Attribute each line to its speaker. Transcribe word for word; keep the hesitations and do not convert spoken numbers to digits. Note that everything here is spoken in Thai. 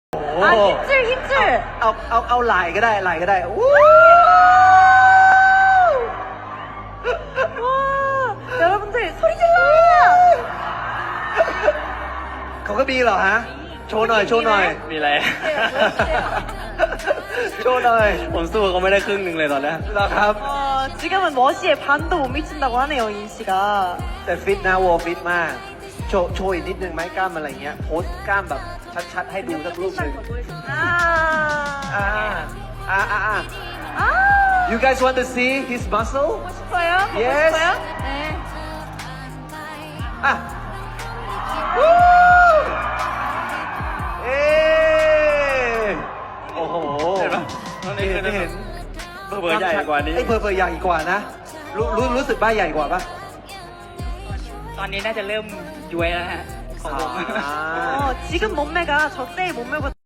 Speaker 1: 아 힘줄 힘줄
Speaker 2: เอาเอาเอาไหล่ก็ได้ไหล่ก็ได้วู้
Speaker 1: 와 여러분들 소리 질러요
Speaker 2: เขาก็มีเหรอฮะโชว์หน่อยโชว์หน่อย
Speaker 3: มีอะไร
Speaker 2: โชว์หน่อย
Speaker 3: ผมสู้เขาไม่ได้ครึ่งหนึ่งเลยตอนนี้
Speaker 2: เหรอครับ
Speaker 1: 어 지금은 머시에 반도 못 미친다고 하네요 인 씨가
Speaker 2: แต่ฟิตนะวอลฟิตมากโชว์โชว์อีกนิดนึงไหมกล้ามอะไรเงี้ยโพสกล้ามแบบชัดๆให้ดูสักรูปหนึ่ง
Speaker 1: 아
Speaker 2: อ่าอ่าอ่าอ่า
Speaker 1: 아
Speaker 2: You guys want to see his muscle?
Speaker 1: 보고 싶어요? 보고
Speaker 2: Yes.
Speaker 1: 싶어요? 네
Speaker 2: อ่ะวู้เอ๊ะโอ้โห
Speaker 3: เห็นปะตอนนี้
Speaker 2: เห็นไม่เห็น
Speaker 3: เบอร์ใหญ่กว่านี้
Speaker 2: ไอ้เบอร์เบอร์ใหญ่กว่านะรู้รู้รู้สึกบ้าใหญ่กว่าปะ
Speaker 3: ตอนนี้น่าจะเริ่มย้วยแล้วฮะของผม
Speaker 2: อ่า
Speaker 1: 어, 지금 몸매가 저 때의 몸매보다